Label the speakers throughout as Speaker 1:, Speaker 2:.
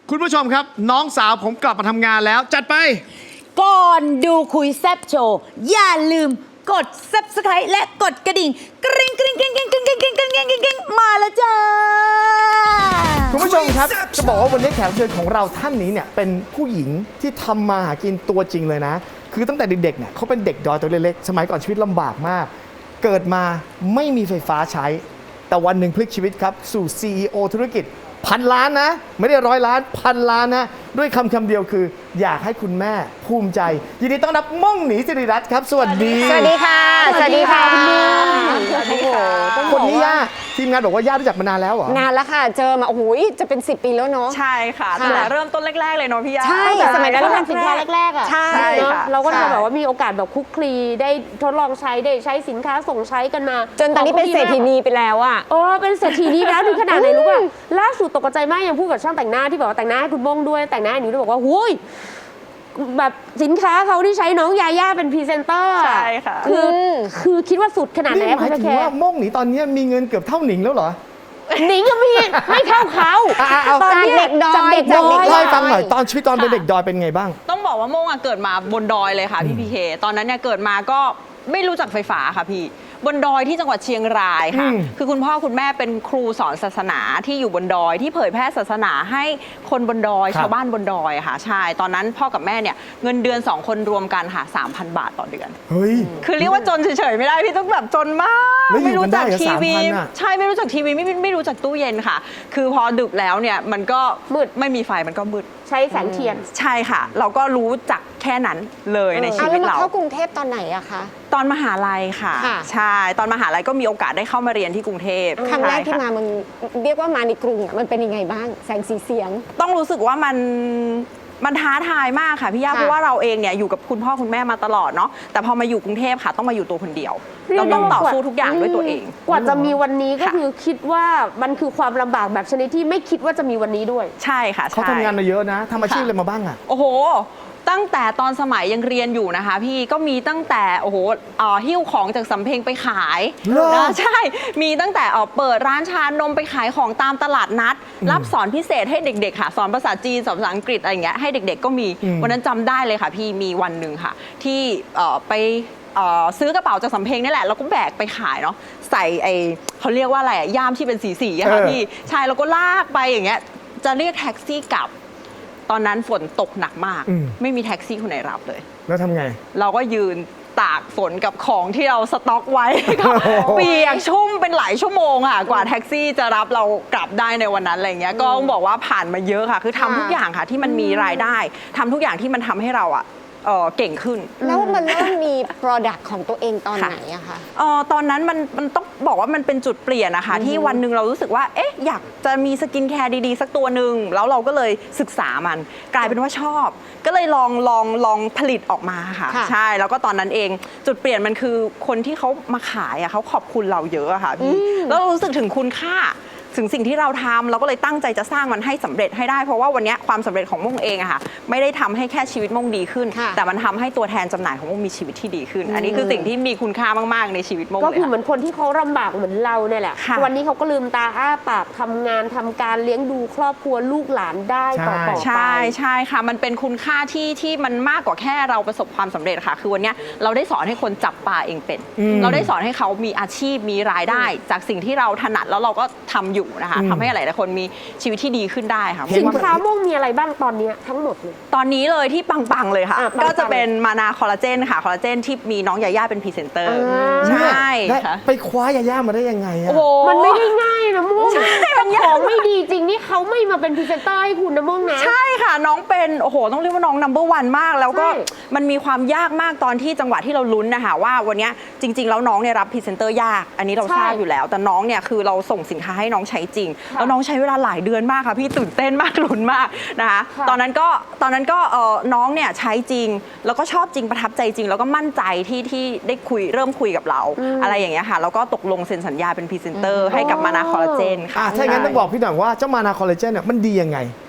Speaker 1: คุณผู้ชมครับน้องสาวผมกลับมาทำงานแล้วจัดไป
Speaker 2: ก่อนดูคุยแซบโชว์อย่าลืมกด Subscribe และกดกระดิ่งกริ๊งกริ๊งกริ๊งกริ๊งกริ๊งกริ๊งกริ๊งกริ๊งกริ๊งกริ๊งมาแล้วจ้า
Speaker 3: คุณผู้ชมครับจะบอกว่าวันนี้แขกรับเชิญของเราท่านนี้เนี่ยเป็นผู้หญิงที่ทำมาหากินตัวจริงเลยนะคือตั้งแต่เด็กๆเนี่ยเขาเป็นเด็กดอยตัวเล็กๆสมัยก่อนชีวิตลำบากมากเกิดมาไม่มีไฟฟ้าใช้แต่วันหนึ่งพลิกชีวิตครับสู่ CEO ธุรกิจพันล้านนะไม่ได้100 ล้านพันล้านนะด้วยคำเดียวคืออยากให้คุณแม่ภูมิใจยินดีต้อนรับม่องหนีสิริรัตน์ครับสวัสดี
Speaker 4: สวัสดีค่ะสวัสดีค่ะคุณลุง
Speaker 3: คนนี้ย่าทีมงานบอกว่าย่ารู้จักมานานแล้วเหรอน
Speaker 4: านแล้วค่ะเจอมาโอ้โหจะเป็น10 ปีแล้วเนาะ
Speaker 5: ใช่ค่ะตั้งแต่เริ่มต้นแรกๆเลยเนาะพี่ยา
Speaker 4: ใช่สมัยนั้นเราทำสินค้าแรกๆอ่ะ
Speaker 5: ใช่ค่ะ
Speaker 6: เราก็จะแบบว่ามีโอกาสแบบคุกคลีได้ทดลองใช้ได้ใช้สินค้าส่งใช้กันมา
Speaker 4: จนตอนนี้เป็นเศรษฐีนีไปแล้วอ่ะ
Speaker 6: โอ้เป็นเศรษฐีนีแล้วถึงขนาดไหนรู้ป่ะล่าสุดตกใจมากยังพูดกับช่างแต่งหน้าที่บอกว่าแต่งหน้าให้คุณบ้งด้วยแต่งหน้าให้หนูด้วยบอกว่าหุยแบบสินค้าเขาที่ใช้น้องยาย่าเป็นพรีเซนเตอร์
Speaker 5: ใช่ค่ะ
Speaker 6: คือคิดว่าสุดขนาดไหน
Speaker 3: นี่ห
Speaker 6: คุ
Speaker 3: มาย
Speaker 6: ณ
Speaker 3: ถึง
Speaker 6: แค
Speaker 3: ว่าม่องหนีตอนนี้มีเงินเกือบเท่าหนิงแล้วเหรอ
Speaker 6: หนิงก็มีไม่เท่าเขา
Speaker 3: เอา
Speaker 6: ตอนนี้
Speaker 4: จากเด็กดอย
Speaker 6: จากเด็กด
Speaker 4: จากเด็
Speaker 6: อก ย
Speaker 3: เล่าให้ฟังหน่อยตอนชีวิตตอนเป็นเด็กดอยเป็นไงบ้าง
Speaker 5: ต้องบอกว่าโมงอะเกิดมาบนดอยเลยค่ะพี่พีเคตอนนั้นเนี่ยเกิดมาก็ไม่รู้จักไฟฟ้าค่ะพี่บนดอยที่จังหวัดเชียงรายค่ะ คือคุณพ่อคุณแม่เป็นครูสอนศาสนาที่อยู่บนดอยที่เผยแพร่ศาสนาให้คนบนดอย
Speaker 3: ครับ
Speaker 5: ชาวบ้านบนดอยค่ะใช่ตอนนั้นพ่อกับแม่เนี่ยเงินเดือน2 คนรวมกันค่ะ 3,000 บาทต่อเดือน
Speaker 3: เฮ้ย
Speaker 5: คือเรียกว่าจนเฉยๆไม่ได้พี่ต้องแบบจนมาก
Speaker 3: แล้วอยู่
Speaker 5: ไม่รู้จัก
Speaker 3: กันได้เหรอ
Speaker 5: ทีวี
Speaker 3: 3,000อะ
Speaker 5: ใช่ไม่รู้จักทีวีไม่รู้จักตู้เย็นค่ะ คือพอดึกแล้วเนี่ยมันก็
Speaker 6: มืด
Speaker 5: ไม่มีไฟมันก็มืด
Speaker 6: ใช้แสงเทียน
Speaker 5: ใช่ค่ะ เราก็รู้จักแค่นั้นเลยในชี
Speaker 4: เอา
Speaker 5: วิ
Speaker 4: แล้ว
Speaker 5: ต
Speaker 4: มา
Speaker 5: เรา
Speaker 4: เข้ากรุงเทพตอนไหนอะคะ
Speaker 5: ตอนมหาลัยค่ะ
Speaker 4: ค่ะ
Speaker 5: ใช่ตอนมหาลัยก็มีโอกาสได้เข้ามาเรียนที่กรุงเทพ
Speaker 4: ครั้งแรกที่
Speaker 5: ใช่
Speaker 4: มา
Speaker 5: ค่ะ
Speaker 4: มันเรียกว่ามาในกรุงอะมันเป็นยังไงบ้างแสงสีเสียง
Speaker 5: ต้องรู้สึกว่ามันท้าทายมากค่ะพี่ย่า
Speaker 4: ค่ะ
Speaker 5: เพราะว่าเราเองเนี่ยอยู่กับคุณพ่อคุณแม่มาตลอดเนาะแต่พอมาอยู่กรุงเทพค่ะต้องมาอยู่ตัวคนเดียว
Speaker 6: เรียก
Speaker 5: เราต้อง
Speaker 6: ได้ว่า
Speaker 5: ต่อสู้ทุกอย่างด้วยตัวเอง
Speaker 6: กว่าจะมีวันนี้ก็
Speaker 5: ค่ะ
Speaker 6: คือคิดว่ามันคือความลำบากแบบชนิดที่ไม่คิดว่าจะมีวันนี้ด้วย
Speaker 5: ใช่ค่ะ
Speaker 3: เขา
Speaker 5: ใช่
Speaker 3: ทำงานมาเยอะนะทำอาชีพอะไรมาบ้างอ่ะ
Speaker 5: โอ้โห ตั้งแต่ตอนสมัยยังเรียนอยู่นะคะ พี่ก็มีตั้งแต่โอ้โหหิ้วของจากสำเพ็งไปขาย
Speaker 3: เหรอ
Speaker 5: นะใช่มีตั้งแต่เปิดร้านชานมไปขายของตามตลาดนัด รับสอนพิเศษให้เด็กๆค่ะสอนภาษาจีนสอนภาษาอังกฤษอะไรอย่างเงี้ยให้เด็กๆก็มีวันนั้นจำได้เลยค่ะพี่มีวันหนึ่งค่ะ ที่ไปซื้อกระเป๋าจากสำเพ็งนี่แหละแล้วก็แบกไปขายเนาะใส่เขาเรียกว่าอะไรอะย่ามที่เป็นสีๆอะค่ะพี่ใช่แล้วก็ลากไปอย่างเงี้ยจะเรียกแท็กซี่กลับ ตอนนั้นฝนตกหนักมาก ไม่มีแท็กซี่คนไหนรับเลย
Speaker 3: แล้วทำไง
Speaker 5: เราก็ยืนตากฝนกับของที่เราสต็อกไว้ ก็เปียกชุ่มเป็นหลายชั่วโมงอ่ะกว่าแท็กซี่จะรับเรากลับได้ในวันนั้นอะไรเงี้ยก็ต้องบอกว่าผ่านมาเยอะค่ะ คือทำทุกอย่างค่ะที่มันมีรายได้ทำทุกอย่างที่มันทำให้เราอ่ะเก่งขึ้น
Speaker 4: แล้วมันเริ่มมี Product ของตัวเองตอนไหนอะคะ
Speaker 5: ตอนนั้นมันต้องบอกว่ามันเป็นจุดเปลี่ยนนะคะที่วันหนึ่งเรารู้สึกว่าเอ๊ะอยากจะมีสกินแคร์ดีๆสักตัวหนึ่งแล้วเราก็เลยศึกษามันกลายเป็นว่าชอบ ก็เลยลองผลิตออกมาค่ะ
Speaker 4: ค่ะ
Speaker 5: ใช่แล้วก็ตอนนั้นเองจุดเปลี่ยนมันคือคนที่เขามาขายอะเขาขอบคุณเราเยอะอะค่ะพี่แล้วเรารู้สึกถึงคุณค่าถึงสิ่งที่เราทำเราก็เลยตั้งใจจะสร้างมันให้สำเร็จให้ได้เพราะว่าวันนี้ความสำเร็จของม่งเองอะค่ะไม่ได้ทำให้แค่ชีวิตม่งดีขึ้น
Speaker 4: ค่ะ
Speaker 5: แต่มันทำให้ตัวแทนจำหน่ายของม่งมีชีวิตที่ดีขึ้น อันนี้คือสิ่งที่มีคุณค่ามากๆในชีวิตม่ง
Speaker 6: ก็
Speaker 5: เลย
Speaker 6: คือ
Speaker 5: ค่ะ
Speaker 6: เหมือนคนที่เขาลำบากเหมือนเราเนี่ยแหละ
Speaker 5: ค่ะ
Speaker 6: วันนี้เขาก็ลืมตาอ้าปากทำงานทำการเลี้ยงดูครอบครัวลูกหลานได้ต่อไป
Speaker 5: ใช่ใช่ค่ะ มันเป็นคุณค่าที่มันมากกว่าแค่เราประสบความสำเร็จค่ะ คือวันเนี้ยเราได้สอนให้คนจับปลาเองเป็น เราได้สอนให้เขามีอาชีพมีรายได้ จากสิ่งที่เราถนัดแล้วเราก็ทำอยู่นะคะทำให้หลายๆคนมีชีวิตที่ดีขึ้นได้ค่ะ
Speaker 6: สินค้าม่วงมีอะไรบ้างตอนเนี้ยทั้งหมดเลย
Speaker 5: ตอนนี้เลยที่ปังๆเลยค่ะ
Speaker 6: ปังๆ
Speaker 5: ก็จะเป็นมานาคอลลาเจนค่ะคอลลาเจนที่มีน้องยาย่าเป็นพรีเซนเตอร์ใช่
Speaker 3: ได้
Speaker 5: ค่ะ
Speaker 3: ไปคว้ายาย่ามาได้ยังไงอะ
Speaker 5: โอ้โห
Speaker 6: มันไม่ได้ง่ายนะม่วง
Speaker 5: ใช่
Speaker 6: ถ้าของไม่ดีจริงนี่เขาไม่มาเป็นพรีเซนเตอร์ให้คุณนะม่วงนะ
Speaker 5: ใช่ค่ะน้องเป็นโอ้โหต้องเรียกว่าน้องนัมเบอร์วันมาก แล้วก็
Speaker 6: ใช่
Speaker 5: มันมีความยากมากตอนที่จังหวะที่เราลุ้นนะคะว่าวันเนี้ยจริง ๆ แล้วน้องเนี่ยรับพรีเซนเตอร์ยาก อันนี้เราทราบอยู่แล้ว แต่น้องเนี่ยคือเราส่งสินค้าให้น้องใช้จริง แล้วน้องใช้เวลาหลายเดือนมากค่ะพี่ตื่นเต้นมากลุ้นมากนะคะ
Speaker 6: ค่ะ
Speaker 5: ตอนนั้นก็น้องเนี่ยใช้จริง แล้วก็ชอบจริงประทับใจจริง แล้วก็มั่นใจที่ได้เริ่มคุยกับเรา อะไรอย่างเงี้ยค่ะแล้วก็ตกลงเซ็นสัญญาเป็นพรีเซนเตอร์ให้กับมานาคอลลาเจนค่ะ
Speaker 3: ถ้าอย่างนั้นต้องบอกพี่หน่อยว่าเจ้ามานาคอลลาเจนเนี่ยมันดียังไง
Speaker 5: ต้องบอก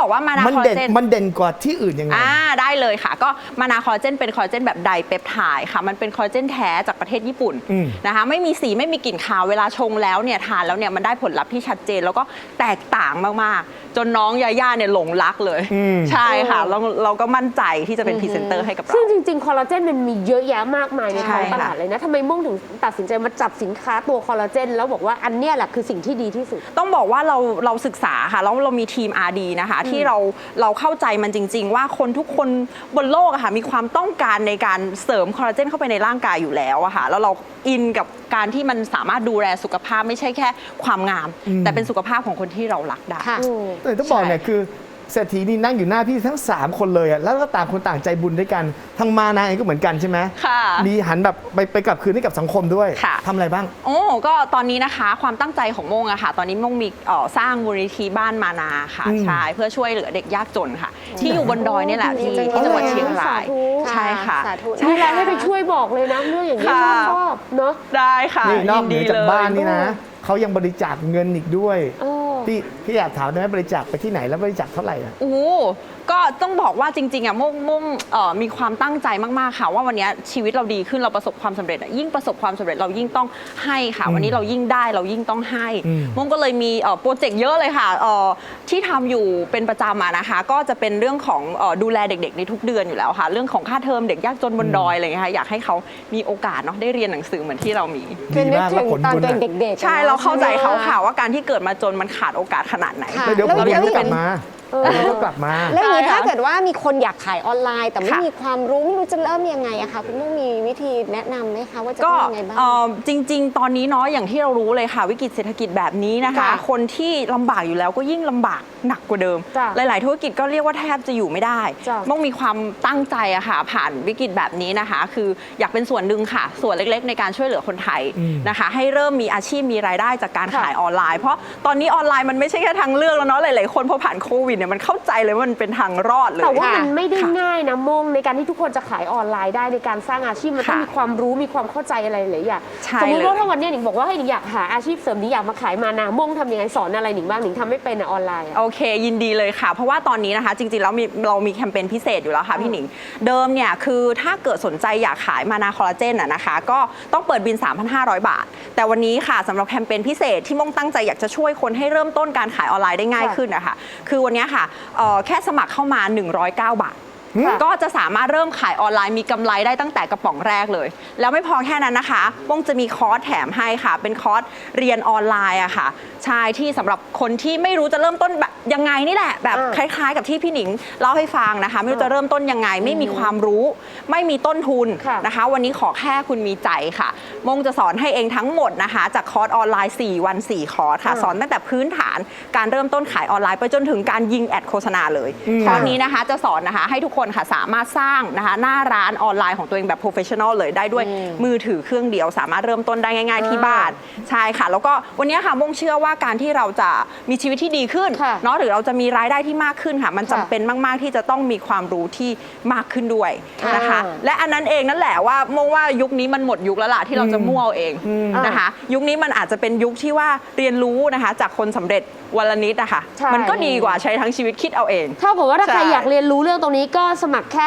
Speaker 5: บอกว่ามานาคอลลาเจน
Speaker 3: มันเด่นกว่าที่อื่นยังไง
Speaker 5: ได้เลยค่ะก็มานาคอลลาเจนเป็นคอลลาเจนแบบไดเปปไทด์ค่ะมันเป็นคอลลาเจนแท้จากประเทศญี่ปุ่นนะคะไม่มีสีไม่มีกลิ่นคาวเวลาชงแล้วเนี่ยทานแล้วเนี่ยมันได้ผลลัพธ์ที่ชัดเจนแล้วก็แตกต่างมากๆจนน้องยาย่าเนี่ยหลงรักเลยใช่ค่ะเราก็มั่นใจที่จะเป็นพรีเซนเตอร์ให้กับเรา
Speaker 6: ซึ่งจริงๆคอลลาเจนมันมีเยอะแยะมากมายในท้อง
Speaker 5: ใช่
Speaker 6: ต
Speaker 5: ค่ะ
Speaker 6: ลาดเลยนะทำไมม่วงถึงตัดสินใจมาจับสินค้าตัวคอลลาเจนแล้วบอกว่าอันเนี้ยแหละคือสิ่งที่ดีที่สุด
Speaker 5: ต้องบอกว่าเราศึกษาค่ะแล้วเรามีทีม R&D นะคะที่เราเข้าใจมันจริง ๆ ว่าคนทุกคนบนโลกอะค่ะมีความต้องการในการเสริมคอลลาเจนเข้าไปในร่างกายอยู่แล้วอะค่ะแล้วเราอินกับการที่มันสามารถดูแลสุขภาพไม่ใช่แค่ความงาม แต่เป็นสุขภาพของคนที่เรารักได้
Speaker 4: ค่ะ
Speaker 3: แต่ต้องบอกเนี่ยคือเศรษฐีนี่นั่งอยู่หน้าพี่ทั้ง 3 คนเลยอะแล้วก็ต่างคนต่างใจบุญด้วยกันทางมานาเองก็เหมือนกันใช่ไหม
Speaker 5: ค่ะ
Speaker 3: มีหันแบบไปกลับคืนให้กับสังคมด้วย
Speaker 5: ค่ะ
Speaker 3: ทำอะไรบ้าง
Speaker 5: โอ้ก็ตอนนี้นะคะความตั้งใจของโมงอะค่ะ ตอนนี้โมงมีสร้างมูลนิธิบ้านมานาค่ะใช่เพื่อช่วยเหลือเด็กยากจนค่ะ ที่อยู่บนดอยนี่แหละที่จังหวัดเชียงราย
Speaker 6: สาธุ
Speaker 5: ใช่ค่ะ
Speaker 4: สาธุ
Speaker 6: มีอะไรให้ไปช่วยบอกเลยนะเรื่องอย่างนี้ย
Speaker 5: ค่ะ
Speaker 6: ชอบเนาะ
Speaker 5: ได้ค่ะ
Speaker 3: นี่นอกเหนือจาก
Speaker 5: เลย
Speaker 3: บ้านนี่นะเขายังบริจาคเงินอีกด้วย
Speaker 6: เออ
Speaker 3: พี่อยากถามได้ไหมบริจาคไปที่ไหนแล้วบริจาคเท่าไหร่อะ
Speaker 5: โอ้โหก็ต้องบอกว่าจริงๆอ่ะมุ่งมีความตั้งใจมากๆค่ะว่าวันนี้ชีวิตเราดีขึ้นเราประสบความสำเร็จอ่ะยิ่งประสบความสำเร็จเรายิ่งต้องให้ค่ะวันนี้เรายิ่งได้เรายิ่งต้องให้มุ่งก็เลยมีโปรเจกต์เยอะเลยค่ะที่ทำอยู่เป็นประจำอะนะคะก็จะเป็นเรื่องของดูแลเด็กๆในทุกเดือนอยู่แล้วค่ะเรื่องของค่าเทอมเด็กยากจนบนดอยอะไรอย่างเงี้ยค่ะอยากให้เขามีโอกาสเนาะได้เรียนหนังสือเหมือนที่เรามี
Speaker 4: คือนึกถึงตอน
Speaker 3: บุญ
Speaker 4: ตัวเอง
Speaker 3: อะ
Speaker 4: เด็กๆ
Speaker 5: ใช่เราเข้าใจเขาค่ะว่าการที่เกิดมาจนมันขาดโอกาสขนาดไหน
Speaker 4: ค่ะ
Speaker 3: แล้วเดี๋ยวผม
Speaker 5: เราอยาก
Speaker 3: ก็
Speaker 5: ให้
Speaker 3: กลั
Speaker 5: เป็
Speaker 3: บ
Speaker 5: น
Speaker 3: มาก็กลับมา
Speaker 4: แล้วอย่างนี้
Speaker 5: ได้ค่ะ
Speaker 4: ถ้าเกิดว่ามีคนอยากขายออนไลน์ แต่ไม่
Speaker 5: ค่ะ
Speaker 4: มีความรู้ไม่รู้จะเริ่มยังไงอะคะคุณมุ่งมีวิธีแนะนำไหมคะว่าจะ
Speaker 5: ก็
Speaker 4: ทำยังไงบ้าง
Speaker 5: จริง ๆ ตอนนี้เนาะอย่างที่เรารู้เลยค่ะ วิกฤตเศรษฐกิจแบบนี้นะคะ
Speaker 4: ค่ะ
Speaker 5: คนที่ลำบากอยู่แล้วก็ยิ่งลำบากหนักกว่าเดิม
Speaker 6: จ้ะ
Speaker 5: หลาย ๆ ธุรกิจก็เรียกว่าแทบจะอยู่ไม่ได้
Speaker 6: จ้ะ
Speaker 5: ต้องมีความตั้งใจอะค่ะผ่านวิกฤตแบบนี้นะคะ คืออยากเป็นส่วนหนึ่งค่ะ ส่วนเล็ก ๆ ในการช่วยเหลือคนไทยนะคะ ให้เริ่มมีอาชีพมีรายได้จากการขายออนไลน์ เพราะตอนนี้ออนไลน์มันไม่ใช่แค่ทางเลือกแล้วเนาะหลาย ๆ คนพอผ่านโควิดเนี่ยมันเข้าใจเลยว่ามันเป็นทางรอดเลย
Speaker 6: แต่ว่า
Speaker 4: ค่ะ
Speaker 6: มันไม่ได้
Speaker 5: ค่ะ
Speaker 6: ง่ายนะมงในการที่ทุกคนจะขายออนไลน์ได้ในการสร้างอาชีพมันต้อง
Speaker 5: ค่ะ
Speaker 6: มีความรู้มีความเข้าใจอะไรหลายอย่าง
Speaker 5: ใช่
Speaker 6: สมมติว่า
Speaker 5: เลย
Speaker 6: ถ้าวันนี้หนิงบอกว่าให้หนิงอยากหาอาชีพเสริมหนิงอยากมาขายมานามงทำยังไงสอนอะไรหนิงบ้างหนิงทำไม่เป็นอะออนไลน์อะ
Speaker 5: โอเคยินดีเลยค่ะ เพราะว่าตอนนี้นะคะ จริงๆแล้วเรามีแคมเปญพิเศษอยู่แล้วค่ะพี่หนิง เดิมเนี่ยคือถ้าเกิดสนใจอยากขายมานาคอลลาเจนนะคะ ก็ต้องเปิดบิน 3,500 บาท แต่วันนี้ค่ะสำหรับแคมเปญพิเศษที่ม่งตั้งใจอยากจะช่วยคนให้เริ่มต้นการขายออนไลน์ได้ง่ายขึ้นนะคะคือวันนี้ค่ะแค่สมัครเข้ามา 109 บาท ก็จะสามารถเริ่มขายออนไลน์มีกำไรได้ตั้งแต่กระป๋องแรกเลย แล้วไม่พอแค่นั้นนะคะม่งจะมีคอร์สแถมให้ค่ะ เป็นคอร์สเรียนออนไลน์อะค่ะใช่ที่สำหรับคนที่ไม่รู้จะเริ่มต้นแบบยังไงนี่แหละ แบบคล้ายๆ กับที่พี่หนิงเล่าให้ฟังนะคะ ไม่รู้จะเริ่มต้นยังไง ไม่มีความรู้ ไม่มีต้นทุน
Speaker 6: ค่ะ
Speaker 5: นะคะ วันนี้ขอแค่คุณมีใจค่ะมงจะสอนให้เองทั้งหมดนะคะ จากคอร์สออนไลน์ 4 วัน 4 คอร์สค่ะ สอนตั้งแต่พื้นฐานการเริ่มต้นขายออนไลน์ไปจนถึงการยิงแอดโฆษณาเลยคอร์สนี้นะคะจะสอนนะคะให้ทุกคนค่ะสามารถสร้างนะคะหน้าร้านออนไลน์ของตัวเองแบบโปรเฟชชั่นอลเลยได้ด้วยมือถือเครื่องเดียว สามารถเริ่มต้นได้ง่าย ๆที่บ้านใช่ค่ะ แล้วก็วันนี้ค่ะมงเชื่อว่าการที่เราจะมีชีวิตที่ดีขึ้น
Speaker 6: ค่ะ
Speaker 5: เนาะหรือเราจะมีรายได้ที่มากขึ้นค่ะ มันจำเป็นมากๆที่จะต้องมีความรู้ที่มากขึ้นด้วยนะคะ และอันนั้นเองนั่นแหละว่ามงว่ายุคนี้มันหมดยุคแล้วล่ะที่เราจะมั่วเอาเองนะคะ ยุคนี้มันอาจจะเป็นยุคที่ว่าเรียนรู้นะคะจากคนสำเร็จวันละนิดนะคะ
Speaker 6: ใช่
Speaker 5: มันก็ดีกว่าใช้ทั้งชีวิตคิดเอาเอง
Speaker 6: เท่ากับว่าถ้าใคร
Speaker 5: ใช่
Speaker 6: อยากเรียนรู้เรื่องตรงนี้ก็สมัครแค่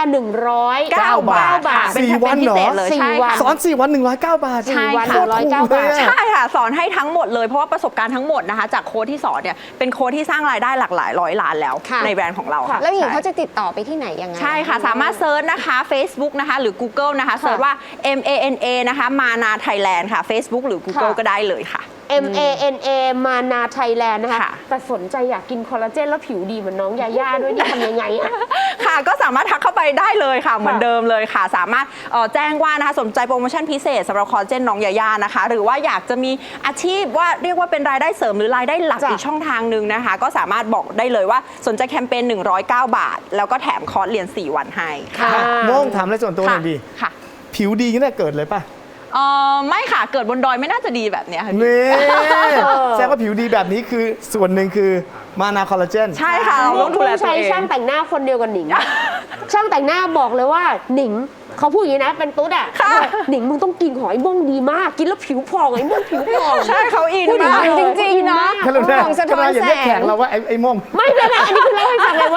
Speaker 6: 109 บาท
Speaker 5: ค่ะเป็นแคมเปญพิเศษเลย
Speaker 6: สี่
Speaker 5: ใช่
Speaker 6: วัน
Speaker 5: ค่ะ
Speaker 3: สอน 4 วัน 109 บาท
Speaker 5: ใช่
Speaker 6: 4 วัน
Speaker 5: ค่ะ
Speaker 6: 109 บาท
Speaker 5: ใช่ค่ะสอนให้ทั้งหมดเลยเพราะว่าประสบการณ์ทั้งหมดนะคะจากโค้ดที่สอนเนี่ยเป็นโค้ดที่สร้างรายได้หลากหลายร้อยล้านแล้ว
Speaker 4: ค่ะ
Speaker 5: ในแบรนด์ของเราค่ะ
Speaker 4: แล้วอย่างนี้
Speaker 5: ใช่
Speaker 4: เขาจะติดต่อไปที่ไหนยังไง
Speaker 5: ใช่ค่ะ สามารถเซิร์ชนะคะ Facebook นะคะ หรือ Google นะคะเซิร์ชว่า MANA นะคะมานาไทยแลนด์ค่ะ Facebook หรือ Google
Speaker 6: ค่ะ
Speaker 5: ก็ได้เลยค่ะ
Speaker 6: MANA มานาไทยแลนด์นะคะ
Speaker 5: ค่ะ
Speaker 6: แต่สนใจอยากกินคอลลาเจนแล้วผิวดีเหมือนน้องยาย่าด้วยนี่ทำยังไงอะ
Speaker 5: ค่ะก็สามารถทักเข้าไปได้เลยค่ะ เหมือนเดิมเลยค่ะ สามารถแจ้งว่านะคะสนใจโปรโมชั่นพิเศษสำหรับคอลลาเจนน้องยาย่านะคะ หรือว่าอยากจะมีอาชีพว่าเรียกว่าเป็นรายได้เสริมหรือรายได้หลัก
Speaker 6: จ้ะ
Speaker 5: อีกช่องทางหนึ่งนะคะ ก็สามารถบอกได้เลยว่าสนใจแคมเปญ109 บาท แล้วก็แถมคอร์สเรียน 4 วันให้ค่ะ
Speaker 3: โม่งถามอะไรส่วนตัวหน่อยดี
Speaker 5: ค่ะ
Speaker 3: ผิวดีตั้งแต่เกิดเลยป่ะ
Speaker 5: ไม่ค่ะเกิดบนดอยไม่น่าจะดีแบบเนี้ยค่ะ
Speaker 3: นี่แสดงว่าผิวดีแบบนี้คือส่วนหนึ่งคือมานาคอลลาเจน
Speaker 5: ใช่ค่ะเราต้องดูแลตัว
Speaker 6: ใช้
Speaker 5: เอง
Speaker 6: ช่างแต่งหน้าคนเดียวกับหนิง ช่างแต่งหน้าบอกเลยว่าหนิงเขาพูดอย่างนี้นะเป็นตุ๊ดอ่ะ
Speaker 5: ค่ะ
Speaker 6: หนิงมึงต้องกินของไอ้ม่วงดีมาก กินแล้วผิวผ่องไอ้ม่วงผิวผ่อง
Speaker 5: ใช่เขาอิน
Speaker 6: พูด
Speaker 5: มาก
Speaker 6: จริงๆนะ
Speaker 3: แค่เราเนี่ย
Speaker 4: ของสะท้อน
Speaker 3: อย่าเรียก
Speaker 4: แสง
Speaker 3: แขกเราว่าไอ้โม่ง
Speaker 6: ไม่เป็นไรอันนี้คือเล่าให้ฟังเลยว่า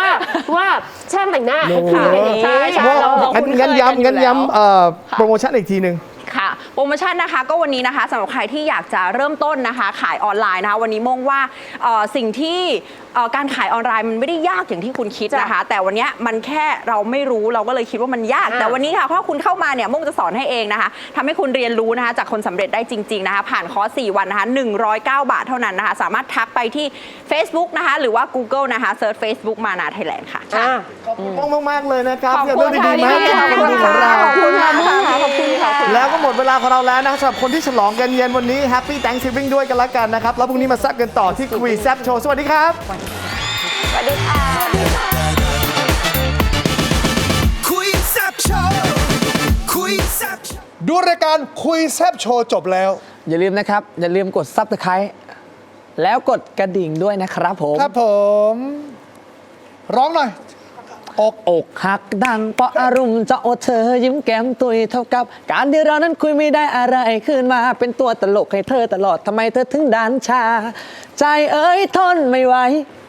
Speaker 6: ช่างแต่งหน้า
Speaker 3: โอ้โห
Speaker 6: ขายใช่
Speaker 5: ใช่
Speaker 6: เรา
Speaker 3: งั้นย้ำโปรโมชั่นอีกทีหนึ่ง
Speaker 5: ค่ะโปรโมชั่นนะคะก็วันนี้นะคะสำหรับใครที่อยากจะเริ่มต้นนะคะขายออนไลน์นะคะวันนี้มองว่าสิ่งที่การขายออนไลน์มันไม่ได้ยากอย่างที่คุณคิดนะคะ แต่วันนี้มันแค่เราไม่รู้เราก็เลยคิดว่ามันยาก แต่วันนี้ค่ะถ้าคุณเข้ามาเนี่ยมงจะสอนให้เองนะคะทำให้คุณเรียนรู้นะคะจากคนสำเร็จได้จริงๆนะคะผ่านคอร์ส4 วันนะคะ109 บาทเท่านั้นนะคะสามารถทักไปที่ Facebook นะคะหรือว่า Google นะคะเซิร์ช Facebook มานาไทยแลนด์ค่ะ
Speaker 3: ขอบคุณมากๆเลยนะครับ
Speaker 5: ขอบ
Speaker 3: ที่
Speaker 5: คุ
Speaker 3: เอา
Speaker 5: ณ
Speaker 3: เรื่องดีๆมา
Speaker 5: ค่ะ
Speaker 3: ให้กับคนดูของเรา
Speaker 5: ขอบคุณค่ะขอบคุณค่ะ
Speaker 3: แล้วก็หมดเวลาของเราแล้วนะครับสำหรับคนที่ฉลองกันเย็นวันนี้ Happy Thanksgiving ด้วยกันละกันนะครับ แล้วพรุ่งนี้มาแซ่บกันต่อที่คุยแซ่บโชว์สวัสดีครับ
Speaker 5: สวัสดีค่ะ
Speaker 7: คุยแซ่บโชว์คุยแซ่บ
Speaker 8: ดูรายการคุยแซบโชว์จบแล้ว
Speaker 9: อย่าลืมนะครับ อย่าลืมกด Subscribe แล้วกดกระดิ่งด้วยนะครับผม
Speaker 8: ครับผม ร้องหน่อย
Speaker 9: อกหักดังเพราะอารมณ์จะโอเธอยิ้มแก้มตุยเท่ากับ การที่เรานั้นคุยไม่ได้อะไรขึ้นมาเป็นตัวตลกให้เธอตลอดทำไมเธอถึงดันชา ใจเอ้ยทนไม่ไหว